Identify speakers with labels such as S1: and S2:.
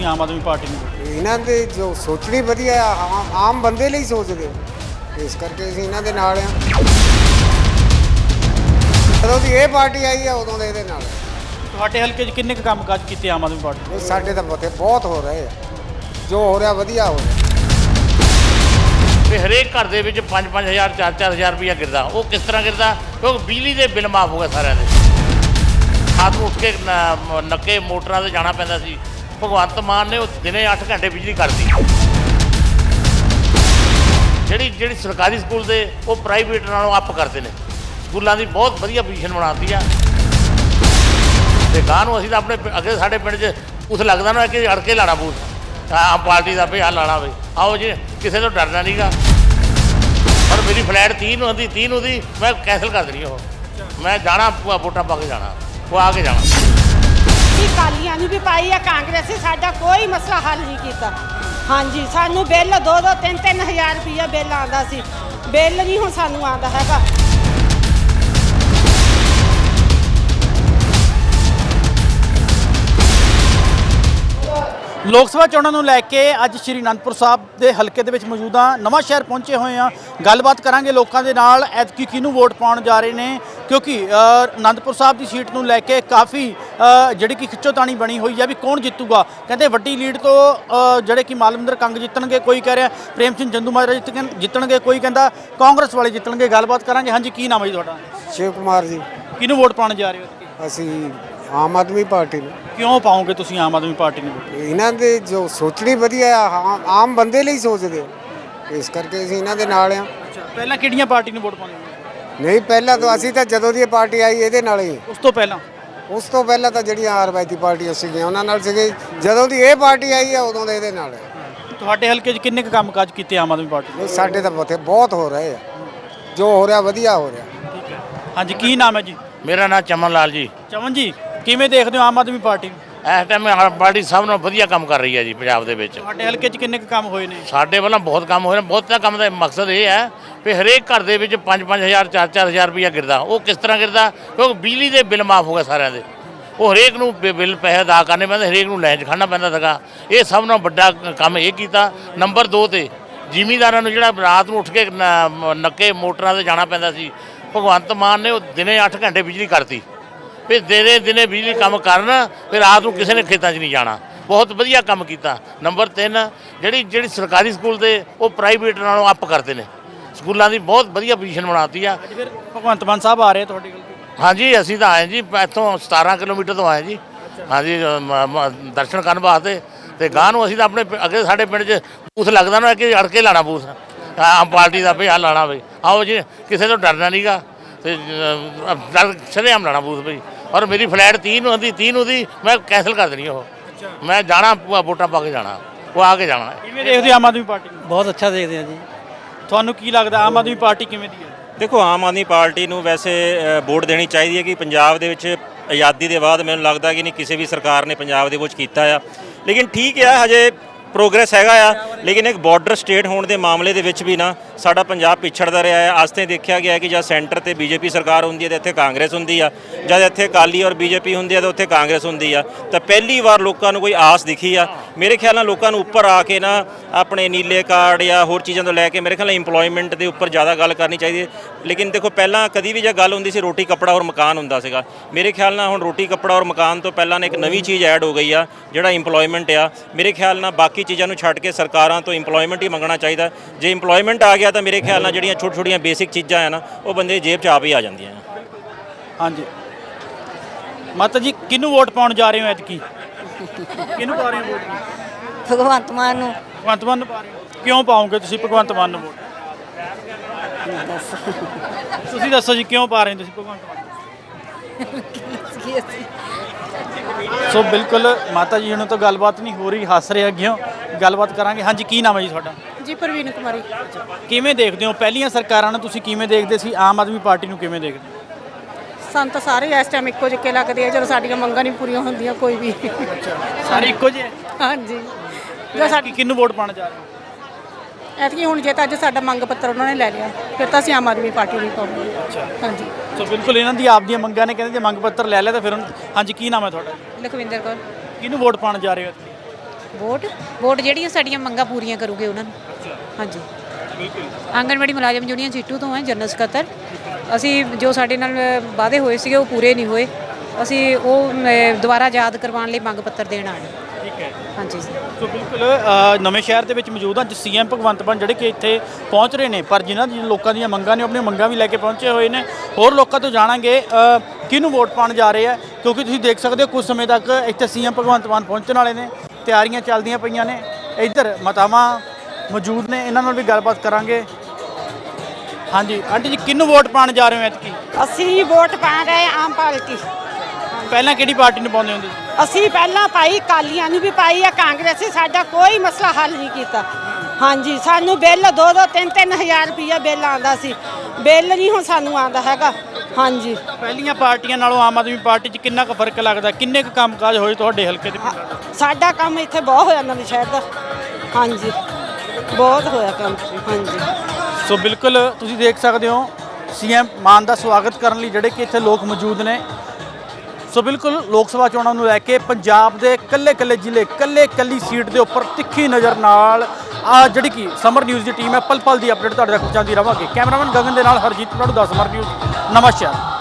S1: ਆਮ ਆਦਮੀ party ਨੂੰ?
S2: ਇਹਨਾਂ ਦੇ ਜੋ ਸੋਚਣੀ ਵਧੀਆ ਆਮ ਬੰਦੇ ਲਈ ਸੋਚਦੇ, ਇਸ ਕਰਕੇ ਅਸੀਂ ਇਹਨਾਂ ਦੇ ਨਾਲ ਆ। ਜਦੋਂ ਦੀ ਇਹ ਪਾਰਟੀ ਆਈ ਆ ਉਦੋਂ ਦੇ ਇਹਦੇ ਨਾਲ।
S1: ਤੁਹਾਡੇ ਹਲਕੇ 'ਚ ਕਿੰਨੇ ਕੁ ਕੰਮਕਾਜ ਕੀਤੇ ਆਮ ਆਦਮੀ ਪਾਰਟੀ ਨੇ?
S2: ਸਾਡੇ ਤਾਂ ਬਹੁਤ ਹੋ ਰਹੇ ਆ, ਜੋ ਹੋ ਰਿਹਾ ਵਧੀਆ ਹੋ ਰਿਹਾ।
S3: ਵੀ ਹਰੇਕ ਘਰ ਦੇ ਵਿੱਚ 5-5000 4-4000 ਰੁਪਇਆ ਗਿਰਦਾ। ਉਹ ਕਿਸ ਤਰ੍ਹਾਂ ਗਿਰਦਾ? ਕਿਉਂਕਿ ਬਿਜਲੀ ਦੇ ਬਿੱਲ ਮਾਫ ਹੋ ਗਏ ਸਾਰਿਆਂ ਦੇ। ਰਾਤ ਨੂੰ ਉੱਠ ਕੇ ਨੱਕੇ ਮੋਟਰਾਂ 'ਤੇ ਜਾਣਾ ਪੈਂਦਾ ਸੀ। ਭਗਵੰਤ ਮਾਨ ਨੇ ਉਹ ਦਿਨੇ 8 ਘੰਟੇ ਬਿਜਲੀ ਕਰਤੀ। ਜਿਹੜੀ ਸਰਕਾਰੀ ਸਕੂਲ ਦੇ ਉਹ ਪ੍ਰਾਈਵੇਟ ਨਾਲੋਂ ਅੱਪ ਕਰਦੇ ਨੇ। ਸਕੂਲਾਂ ਦੀ ਬਹੁਤ ਵਧੀਆ ਪੋਜੀਸ਼ਨ ਬਣਾਤੀ ਆ। ਤੇ ਗਾਂ ਨੂੰ ਅਸੀਂ ਤਾਂ ਆਪਣੇ ਅੱਗੇ ਸਾਡੇ ਪਿੰਡ 'ਚ ਉਸ ਲੱਗਦਾ ਨਾ ਕਿ ਅੜ ਕੇ ਲਾਣਾ ਬੂਥ ਆਮ ਪਾਰਟੀ ਦਾ ਵੀ ਆਹ ਲਾਣਾ ਵੇ। ਆਓ ਜੀ, ਕਿਸੇ ਤੋਂ ਡਰਨਾ ਨਹੀਂਗਾ। ਪਰ ਮੇਰੀ ਫਲੈਟ 30 ਨੂੰ ਹੁੰਦੀ, 30 ਨੂੰ ਦੀ ਮੈਂ ਕੈਂਸਲ ਕਰ ਦੇਣੀ। ਉਹ ਮੈਂ ਜਾਣਾ ਵੋਟਾਂ ਪਾ ਕੇ ਜਾਣਾ, ਉਹ ਆ ਕੇ ਜਾਣਾ।
S4: ਅਕਾਲੀਆਂ ਨੂੰ ਵੀ ਪਾਈ ਆ, ਕਾਂਗਰਸ ਨੇ ਸਾਡਾ ਕੋਈ ਮਸਲਾ ਹੱਲ ਨਹੀਂ ਕੀਤਾ। ਹਾਂਜੀ, ਸਾਨੂੰ ਬਿੱਲ 2-2 3-3 ਹਜ਼ਾਰ ਰੁਪਈਆ ਬਿੱਲ ਆਉਂਦਾ ਸੀ। ਬਿੱਲ ਨਹੀਂ ਹੁਣ ਸਾਨੂੰ ਆਉਂਦਾ ਹੈਗਾ।
S1: ਲੋਕ ਸਭਾ ਚੋਣਾਂ ਨੂੰ ਲੈ ਕੇ ਅੱਜ ਸ਼੍ਰੀ ਅਨੰਦਪੁਰ ਸਾਹਿਬ ਦੇ ਹਲਕੇ ਦੇ ਵਿੱਚ ਮੌਜੂਦ ਹਾਂ। ਨਵਾਂ ਸ਼ਹਿਰ ਪਹੁੰਚੇ ਹੋਏ ਹਾਂ। ਗੱਲਬਾਤ ਕਰਾਂਗੇ ਲੋਕਾਂ ਦੇ ਨਾਲ, ਐਤਕੀ ਕਿਹਨੂੰ ਵੋਟ ਪਾਉਣ ਜਾ ਰਹੇ ਨੇ, ਕਿਉਂਕਿ ਅਨੰਦਪੁਰ ਸਾਹਿਬ ਦੀ ਸੀਟ ਨੂੰ ਲੈ ਕੇ ਕਾਫੀ ਜਿਹੜੀ ਕਿ ਖਿੱਚੋਤਾਣੀ ਬਣੀ ਹੋਈ ਹੈ ਵੀ ਕੌਣ ਜਿੱਤੂਗਾ। ਕਹਿੰਦੇ ਵੱਡੀ ਲੀਡ ਤੋਂ ਜਿਹੜੇ ਕਿ ਮਾਲਵਿੰਦਰ ਕੰਗ ਜਿੱਤਣਗੇ, ਕੋਈ ਕਹਿ ਰਿਹਾ ਪ੍ਰੇਮ ਸਿੰਘ ਚੰਦੂਮਾਜਰਾ ਜਿੱਤਣਗੇ, ਕੋਈ ਕਹਿੰਦਾ ਕਾਂਗਰਸ ਵਾਲੇ ਜਿੱਤਣਗੇ। ਗੱਲਬਾਤ ਕਰਾਂਗੇ। ਹਾਂਜੀ, ਕੀ ਨਾਮ ਹੈ ਜੀ ਤੁਹਾਡਾ?
S2: ਸ਼ਿਵ ਕੁਮਾਰ ਜੀ।
S1: ਕਿਹਨੂੰ ਵੋਟ ਪਾਉਣ ਜਾ ਰਹੇ ਹੋ?
S2: ਅਸੀਂ ਆਮ ਆਦਮੀ ਪਾਰਟੀ ਨੂੰ।
S1: ਕਿਉਂ ਪਾਓਗੇ ਤੁਸੀਂ ਆਮ ਆਦਮੀ ਪਾਰਟੀ ਨੂੰ?
S2: ਇਹਨਾਂ ਦੇ ਜੋ ਸੋਚਣੀ ਵਧੀਆ ਆਮ ਬੰਦੇ ਲਈ ਸੋਚਦੇ, ਇਸ ਕਰਕੇ ਅਸੀਂ ਇਹਨਾਂ ਦੇ ਨਾਲ ਆ।
S1: ਪਹਿਲਾਂ ਕਿਹੜੀਆਂ ਪਾਰਟੀ ਨੂੰ ਵੋਟ ਪਾਉਂਦੇ?
S2: ਨਹੀਂ, ਪਹਿਲਾਂ ਤਾਂ ਅਸੀਂ ਤਾਂ ਜਦੋਂ ਦੀ ਇਹ ਪਾਰਟੀ ਆਈ ਇਹਦੇ ਨਾਲ ਹੀ।
S1: ਉਸ ਤੋਂ ਪਹਿਲਾਂ
S2: ਤਾਂ ਜਿਹੜੀਆਂ ਰਵਾਇਤੀ ਪਾਰਟੀਆਂ ਸੀਗੀਆਂ ਉਹਨਾਂ ਨਾਲ ਸੀਗੇ। ਜਦੋਂ ਦੀ ਇਹ ਪਾਰਟੀ ਆਈ ਆ ਉਦੋਂ ਦੇ ਇਹਦੇ ਨਾਲ।
S1: ਤੁਹਾਡੇ ਹਲਕੇ 'ਚ ਕਿੰਨੇ ਕੁ ਕੰਮਕਾਜ ਕੀਤੇ ਆਮ ਆਦਮੀ ਪਾਰਟੀ ਨੇ?
S2: ਸਾਡੇ ਤਾਂ ਬਹੁਤ ਹੋ ਰਹੇ ਆ, ਜੋ ਹੋ ਰਿਹਾ ਵਧੀਆ ਹੋ ਰਿਹਾ।
S1: ਠੀਕ ਹੈ। ਹਾਂਜੀ, ਕੀ ਨਾਮ ਹੈ ਜੀ?
S3: ਮੇਰਾ ਨਾਮ ਚਮਨ ਲਾਲ ਜੀ।
S1: ਚਮਨ ਜੀ, ਕਿਵੇਂ ਦੇਖਦੇ ਹੋ ਆਮ ਆਦਮੀ ਪਾਰਟੀ ਨੂੰ?
S3: ਇਸ ਟਾਈਮ ਪਾਰਟੀ ਸਭ ਨਾਲੋਂ ਵਧੀਆ ਕੰਮ ਕਰ ਰਹੀ ਹੈ ਜੀ ਪੰਜਾਬ ਦੇ ਵਿੱਚ।
S1: ਤੁਹਾਡੇ ਹਲਕੇ 'ਚ ਕਿੰਨੇ ਕੁ ਕੰਮ ਹੋਏ ਨੇ?
S3: ਸਾਡੇ ਵੱਲੋਂ ਬਹੁਤ ਕੰਮ ਹੋਏ ਨੇ। ਬਹੁਤਾ ਕੰਮ ਦਾ ਮਕਸਦ ਇਹ ਹੈ ਵੀ ਹਰੇਕ ਘਰ ਦੇ ਵਿੱਚ 5-5000 4-4000 ਰੁਪਇਆ ਗਿਰਦਾ। ਉਹ ਕਿਸ ਤਰ੍ਹਾਂ ਗਿਰਦਾ? ਕਿਉਂਕਿ ਬਿਜਲੀ ਦੇ ਬਿੱਲ ਮਾਫ ਹੋ ਗਏ ਸਾਰਿਆਂ ਦੇ। ਉਹ ਹਰੇਕ ਨੂੰ ਬਿੱਲ ਪੈਸੇ ਅਦਾ ਕਰਨੇ ਪੈਂਦੇ, ਹਰੇਕ ਨੂੰ ਲਾਈਨ 'ਚ ਖੜ੍ਹਨਾ ਪੈਂਦਾ ਸੀਗਾ। ਇਹ ਸਭ ਨਾਲੋਂ ਵੱਡਾ ਕੰਮ ਇਹ ਕੀਤਾ। ਨੰਬਰ 2 ਤੇ ਜ਼ਿਮੀਂਦਾਰਾਂ ਨੂੰ ਜਿਹੜਾ ਰਾਤ ਨੂੰ ਉੱਠ ਕੇ ਨੱਕੇ ਮੋਟਰਾਂ 'ਤੇ ਜਾਣਾ ਪੈਂਦਾ ਸੀ। ਭਗਵੰਤ ਮਾਨ ਨੇ ਉਹ ਦਿਨੇ 8 ਘੰਟੇ ਬਿਜਲੀ ਕਰਤੀ। ਫਿਰ ਦਿਨੇ ਬਿਜਲੀ ਕੰਮ ਕਰਨ, ਫਿਰ ਰਾਤ ਨੂੰ ਕਿਸੇ ਨੇ ਖੇਤਾਂ 'ਚ ਨਹੀਂ ਜਾਣਾ। ਬਹੁਤ ਵਧੀਆ ਕੰਮ ਕੀਤਾ। ਨੰਬਰ 3 ਜਿਹੜੀ ਸਰਕਾਰੀ ਸਕੂਲ ਦੇ ਉਹ ਪ੍ਰਾਈਵੇਟ ਨਾਲੋਂ ਅੱਪ ਕਰਦੇ ਨੇ। ਸਕੂਲਾਂ ਦੀ ਬਹੁਤ ਵਧੀਆ ਪੋਜੀਸ਼ਨ ਬਣਾਤੀ ਆ।
S1: ਅੱਜ ਫਿਰ ਭਗਵੰਤ ਮਾਨ ਸਾਹਿਬ ਆ ਰਹੇ ਤੁਹਾਡੇ ਕੋਲ?
S3: ਹਾਂਜੀ, ਅਸੀਂ ਤਾਂ ਆਏ ਜੀ ਇੱਥੋਂ 17 ਕਿਲੋਮੀਟਰ ਤੋਂ ਆਏ ਜੀ। ਹਾਂਜੀ, ਦਰਸ਼ਨ ਕਰਨ ਵਾਸਤੇ। ਤੇ ਗਾਂ ਨੂੰ ਅਸੀਂ ਤਾਂ ਆਪਣੇ ਅੱਗੇ ਸਾਡੇ ਪਿੰਡ 'ਚ ਬੂਥ ਲੱਗਦਾ ਨਾ ਕਿ ਅੜ ਕੇ ਲਾਣਾ ਬੂਥ ਆਮ ਪਾਰਟੀ ਦਾ ਵੀ ਆਹ ਲਾਣਾ ਵੇ। ਆਓ ਜੀ, ਕਿਸੇ ਤੋਂ ਡਰਨਾ ਨਹੀਂਗਾ। ਤੇ ਸ਼ਰੇਆਮ ਲਾਣਾ ਬੂਥ ਬਈ। ਔਰ ਮੇਰੀ ਫਲੈਟ 30 ਨੂੰ ਹੁੰਦੀ, 30 ਨੂੰ ਦੀ ਮੈਂ ਕੈਂਸਲ ਕਰ ਦੇਣੀ। ਉਹ ਮੈਂ ਜਾਣਾ ਵੋਟਾਂ ਪਾ ਕੇ ਜਾਣਾ, ਉਹ ਆ ਕੇ ਜਾਣਾ।
S1: ਕਿਵੇਂ ਦੇਖਦੇ ਆਮ ਆਦਮੀ ਪਾਰਟੀ ਨੂੰ?
S5: ਬਹੁਤ ਅੱਛਾ ਦੇਖਦੇ ਆ ਜੀ।
S1: ਤੁਹਾਨੂੰ ਕੀ ਲੱਗਦਾ ਆਮ ਆਦਮੀ ਪਾਰਟੀ ਕਿਵੇਂ ਦੀ ਹੈ?
S5: ਦੇਖੋ, ਆਮ ਆਦਮੀ ਪਾਰਟੀ ਨੂੰ ਵੈਸੇ ਵੋਟ ਦੇਣੀ ਚਾਹੀਦੀ ਹੈ ਕਿ ਪੰਜਾਬ ਦੇ ਵਿੱਚ ਆਜ਼ਾਦੀ ਦੇ ਬਾਅਦ ਮੈਨੂੰ ਲੱਗਦਾ ਕਿ ਨਹੀਂ ਕਿਸੇ ਵੀ ਸਰਕਾਰ ਨੇ ਪੰਜਾਬ ਦੇ ਵਿੱਚ ਕੀਤਾ ਆ। ਲੇਕਿਨ ਠੀਕ ਆ, ਹਜੇ ਪ੍ਰੋਗਰੈਸ ਹੈਗਾ ਆ। ਲੇਕਿਨ ਇੱਕ ਬਾਰਡਰ ਸਟੇਟ ਹੋਣ ਦੇ ਮਾਮਲੇ ਦੇ ਵਿੱਚ ਵੀ ਨਾ ਸਾਡਾ ਪੰਜਾਬ ਪਿਛੜਦਾ ਰਿਹਾ ਹੈ। ਅੱਜ ਤੇ ਦੇਖਿਆ ਗਿਆ ਕਿ ਜਦ ਸੈਂਟਰ ਤੇ ਬੀਜੇਪੀ ਸਰਕਾਰ ਹੁੰਦੀ ਹੈ ਤਾਂ ਇੱਥੇ ਕਾਂਗਰਸ ਹੁੰਦੀ ਆ, ਜਦ ਇੱਥੇ ਅਕਾਲੀ ਔਰ ਬੀਜੇਪੀ ਹੁੰਦੀ ਆ ਤਾਂ ਉੱਥੇ ਕਾਂਗਰਸ ਹੁੰਦੀ ਆ। ਤਾਂ ਪਹਿਲੀ ਵਾਰ ਲੋਕਾਂ ਨੂੰ ਕੋਈ ਆਸ ਦਿਖੀ ਆ। ਮੇਰੇ ਖਿਆਲ ਨਾਲ ਲੋਕਾਂ ਨੂੰ ਉੱਪਰ ਆ ਕੇ ਨਾ ਆਪਣੇ ਨੀਲੇ ਕਾਰਡ ਜਾਂ ਹੋਰ ਚੀਜ਼ਾਂ ਤੋਂ ਲੈ ਕੇ ਮੇਰੇ ਖਿਆਲ ਨਾਲ ਇੰਪਲੋਇਮੈਂਟ ਦੇ ਉੱਪਰ ਜ਼ਿਆਦਾ ਗੱਲ ਕਰਨੀ ਚਾਹੀਦੀ ਹੈ। ਲੇਕਿਨ ਦੇਖੋ, ਪਹਿਲਾਂ ਕਦੀ ਵੀ ਜੇ ਗੱਲ ਹੁੰਦੀ ਸੀ ਰੋਟੀ ਕੱਪੜਾ ਔਰ ਮਕਾਨ ਹੁੰਦਾ ਸੀਗਾ। ਮੇਰੇ ਖਿਆਲ ਨਾਲ ਹੁਣ ਰੋਟੀ ਕੱਪੜਾ ਔਰ ਮਕਾਨ ਤੋਂ ਪਹਿਲਾਂ ਇੱਕ ਨਵੀਂ ਚੀਜ਼ ਐਡ ਹੋ ਗਈ ਆ, ਜਿਹੜਾ ਇੰਪਲੋਇਮੈਂਟ ਆ। ਮੇਰੇ ਖਿਆਲ ਨਾਲ ਬਾਕੀ ਚੀਜ਼ਾਂ ਨੂੰ ਛੱਡ ਕੇ ਸਰਕਾਰਾਂ ਤੋਂ ਇੰਪਲੋਇਮੈਂਟ ਹੀ ਮੰਗਣਾ ਚਾਹੀਦਾ। ਜੇ ਇੰਪਲੋਇਮੈਂਟ ਆ ਗਿਆ ਤਾਂ ਮੇਰੇ ਖਿਆਲ ਨਾਲ ਜਿਹੜੀਆਂ ਛੋਟੀਆਂ ਬੇਸਿਕ ਚੀਜ਼ਾਂ ਆ ਨਾ ਉਹ ਬੰਦੇ ਦੀ ਜੇਬ 'ਚ ਆਪ ਹੀ ਆ ਜਾਂਦੀਆਂ।
S1: ਹਾਂਜੀ, ਮਾਤਾ ਜੀ, ਕਿਹਨੂੰ ਵੋਟ ਪਾਉਣ ਜਾ ਰਹੇ ਹੋ ਐਤਕੀ? ਕਿਹਨੂੰ ਪਾ ਰਹੇ ਹੋ ਵੋਟ?
S6: ਭਗਵੰਤ ਮਾਨ ਨੂੰ।
S1: ਭਗਵੰਤ ਮਾਨ ਨੂੰ ਪਾ ਰਹੇ ਹੋ? ਕਿਉਂ ਪਾਓਗੇ ਤੁਸੀਂ ਭਗਵੰਤ ਮਾਨ ਨੂੰ ਵੋਟ? ਤੁਸੀਂ ਦੱਸੋ ਜੀ, ਕਿਉਂ ਪਾ ਰਹੇ ਹੋ ਤੁਸੀਂ ਭਗਵੰਤ ਮਾਨ? ਸੋ ਬਿਲਕੁਲ ਮਾਤਾ ਜੀ ਹੁਣ ਤਾਂ ਗੱਲਬਾਤ ਨਹੀਂ ਹੋ ਰਹੀ, ਹੱਸ ਰਹੇ ਅੱਗੇ ਗੱਲਬਾਤ ਕਰਾਂਗੇ। ਹਾਂਜੀ, ਕੀ ਨਾਮ ਹੈ ਜੀ ਤੁਹਾਡਾ?
S4: ਜੀ, ਪ੍ਰਵੀਨ ਕੁਮਾਰੀ।
S1: ਕਿਵੇਂ ਦੇਖਦੇ ਹੋ ਪਹਿਲੀਆਂ ਸਰਕਾਰਾਂ ਨੂੰ? ਤੁਸੀਂ ਕਿਵੇਂ ਦੇਖਦੇ ਸੀ? ਆਮ ਆਦਮੀ ਪਾਰਟੀ ਨੂੰ ਕਿਵੇਂ ਦੇਖਦੇ?
S4: ਸਾਨੂੰ ਤਾਂ ਸਾਰੇ ਇਸ ਟਾਈਮ ਇੱਕੋ ਜਿਹੇ ਲੱਗਦੇ ਆ। ਜਦੋਂ ਸਾਡੀਆਂ ਮੰਗਾਂ ਨਹੀਂ ਪੂਰੀਆਂ ਹੁੰਦੀਆਂ ਕੋਈ ਵੀ।
S1: ਸਾਰੇ ਇੱਕੋ ਜਿਹੇ?
S4: ਹਾਂਜੀ। ਜੋ ਸਾਡੀ
S1: ਕਿਹਨੂੰ ਵੋਟ ਪਾਉਣ ਜਾ ਰਹੇ ਹੋ?
S4: ਐਤਕੀ ਹੁਣ ਜੇ ਤਾਂ ਅੱਜ ਸਾਡਾ ਮੰਗ ਪੱਤਰ ਉਹਨਾਂ ਨੇ ਲੈ ਲਿਆ ਫਿਰ ਤਾਂ ਅਸੀਂ ਆਮ ਆਦਮੀ ਪਾਰਟੀ ਨੂੰ ਪਾਵਾਂਗੇ। ਹਾਂਜੀ।
S1: ਸੋ ਬਿਲਕੁਲ ਇਹਨਾਂ ਦੀ ਆਪਦੀਆਂ ਮੰਗਾਂ ਨੇ। ਕਹਿੰਦੇ ਜੇ ਮੰਗ ਪੱਤਰ ਲੈ ਲਿਆ ਤਾਂ ਫਿਰ ਹਾਂਜੀ, ਕੀ ਨਾਮ ਹੈ ਤੁਹਾਡਾ?
S6: ਲਖਵਿੰਦਰ ਕੌਰ।
S1: ਕਿਹਨੂੰ ਵੋਟ ਪਾਉਣ ਜਾ ਰਹੇ ਹੋ?
S6: ਵੋਟ ਜਿਹੜੀਆਂ ਸਾਡੀਆਂ ਮੰਗਾਂ ਪੂਰੀਆਂ ਕਰੂਗੇ ਉਹਨਾਂ ਨੂੰ। ਹਾਂਜੀ ਆਂਗਣਵਾੜੀ ਮੁਲਾਜ਼ਮ ਯੂਨੀਅਨ ਸੀਟੂ ਤੋਂ ਹੈ, ਜਨਰਲ ਸਕੱਤਰ। ਅਸੀਂ ਜੋ ਸਾਡੇ ਨਾਲ ਵਾਅਦੇ ਹੋਏ ਸੀਗੇ ਉਹ ਪੂਰੇ ਨਹੀਂ ਹੋਏ, ਅਸੀਂ ਉਹ ਦੁਬਾਰਾ ਯਾਦ ਕਰਵਾਉਣ ਲਈ ਮੰਗ ਪੱਤਰ ਦੇਣ ਆਏ।
S1: ਠੀਕ ਹੈ।
S6: ਹਾਂਜੀ ਸਰ।
S1: ਸੋ ਬਿਲਕੁਲ ਨਵੇਂ ਸ਼ਹਿਰ ਦੇ ਵਿੱਚ ਮੌਜੂਦ ਹਾਂ ਸੀਐਮ ਭਗਵੰਤ ਮਾਨ ਜਿਹੜੇ ਕਿ ਇੱਥੇ ਪਹੁੰਚ ਰਹੇ ਨੇ, ਪਰ ਜਿਨ੍ਹਾਂ ਦੀ ਲੋਕਾਂ ਦੀਆਂ ਮੰਗਾਂ ਨੇ ਆਪਣੀਆਂ ਮੰਗਾਂ ਵੀ ਲੈ ਕੇ ਪਹੁੰਚੇ ਹੋਏ ਨੇ। ਹੋਰ ਲੋਕਾਂ ਤੋਂ ਜਾਣਾਂਗੇ ਕਿਹਨੂੰ ਵੋਟ ਪਾਉਣ ਜਾ ਰਹੇ ਆ, ਕਿਉਂਕਿ ਤੁਸੀਂ ਦੇਖ ਸਕਦੇ ਹੋ ਕੁਝ ਸਮੇਂ ਤੱਕ ਇੱਥੇ ਸੀਐਮ ਭਗਵੰਤ ਮਾਨ ਪਹੁੰਚਣ ਵਾਲੇ ਨੇ, ਤਿਆਰੀਆਂ ਚੱਲਦੀਆਂ ਪਈਆਂ ਨੇ। ਇੱਧਰ ਮਾਤਾਵਾਂ ਮੌਜੂਦ ਨੇ, ਇਹਨਾਂ ਨਾਲ ਵੀ ਗੱਲਬਾਤ ਕਰਾਂਗੇ। ਹਾਂਜੀ ਆਂਟੀ ਜੀ, ਕਿਹਨੂੰ ਵੋਟ ਪਾਉਣ ਜਾ ਰਹੇ ਹੋ ਐਤਕੀ?
S4: ਅਸੀਂ ਵੋਟ ਪਾ ਰਹੇ ਆਮ ਪਾਰਟੀ।
S1: ਪਹਿਲਾਂ ਕਿਹੜੀ ਪਾਰਟੀ ਨੂੰ ਪਾਉਂਦੇ ਹੁੰਦੇ?
S4: ਅਸੀਂ ਪਹਿਲਾਂ ਪਾਈ ਕਾਲੀਆਂ ਨੂੰ ਵੀ ਪਾਈ ਆ, ਕਾਂਗਰਸੀ ਸਾਡਾ ਕੋਈ ਮਸਲਾ ਹੱਲ ਨਹੀਂ ਕੀਤਾ। ਹਾਂਜੀ ਸਾਨੂੰ ਬਿੱਲ 2-2 3-3 ਹਜ਼ਾਰ ਰੁਪਈਆ ਬਿੱਲ ਆਉਂਦਾ ਸੀ, ਬਿੱਲ ਨਹੀਂ ਹੁਣ ਸਾਨੂੰ ਆਉਂਦਾ ਹੈਗਾ। ਹਾਂਜੀ
S1: ਪਹਿਲੀਆਂ ਪਾਰਟੀਆਂ ਨਾਲੋਂ ਆਮ ਆਦਮੀ ਪਾਰਟੀ 'ਚ ਕਿੰਨਾ ਕੁ ਫਰਕ ਲੱਗਦਾ? ਕਿੰਨੇ ਕੁ ਕੰਮਕਾਜ ਹੋਏ ਤੁਹਾਡੇ ਹਲਕੇ ਦੇ?
S4: ਸਾਡਾ ਕੰਮ ਇੱਥੇ ਬਹੁਤ ਹੋਇਆ ਨਵੇਂ ਸ਼ਹਿਰ ਦਾ। ਹਾਂਜੀ ਬਹੁਤ ਹੋਇਆ ਕੰਮ। ਹਾਂਜੀ
S1: ਸੋ ਬਿਲਕੁਲ ਤੁਸੀਂ ਦੇਖ ਸਕਦੇ ਹੋ ਸੀਐਮ ਮਾਨ ਦਾ ਸਵਾਗਤ ਕਰਨ ਲਈ ਜਿਹੜੇ ਕਿ ਇੱਥੇ ਲੋਕ ਮੌਜੂਦ ਨੇ। ਸੋ ਬਿਲਕੁਲ ਲੋਕ ਸਭਾ ਚੋਣਾਂ ਨੂੰ ਲੈ ਕੇ ਪੰਜਾਬ ਦੇ ਕੱਲੇ ਜ਼ਿਲ੍ਹੇ ਕੱਲੀ ਸੀਟ ਦੇ ਉੱਪਰ ਤਿੱਖੀ ਨਜ਼ਰ ਨਾਲ ਜਿਹੜੀ ਕਿ ਸਮਰ ਨਿਊਜ਼ ਦੀ ਟੀਮ ਹੈ ਪਲ ਪਲ ਦੀ ਅਪਡੇਟ ਤੁਹਾਡੇ ਤੱਕ ਪਹੁੰਚਾਉਂਦੀ ਰਹਾਂਗੇ। ਕੈਮਰਾਮੈਨ ਗਗਨ ਦੇ ਨਾਲ ਹਰਜੀਤ ਪ੍ਰਭੂ ਦਾ ਸਮਰ ਨਿਊਜ਼ ਨਵਾਂ ਸ਼ਹਿਰ।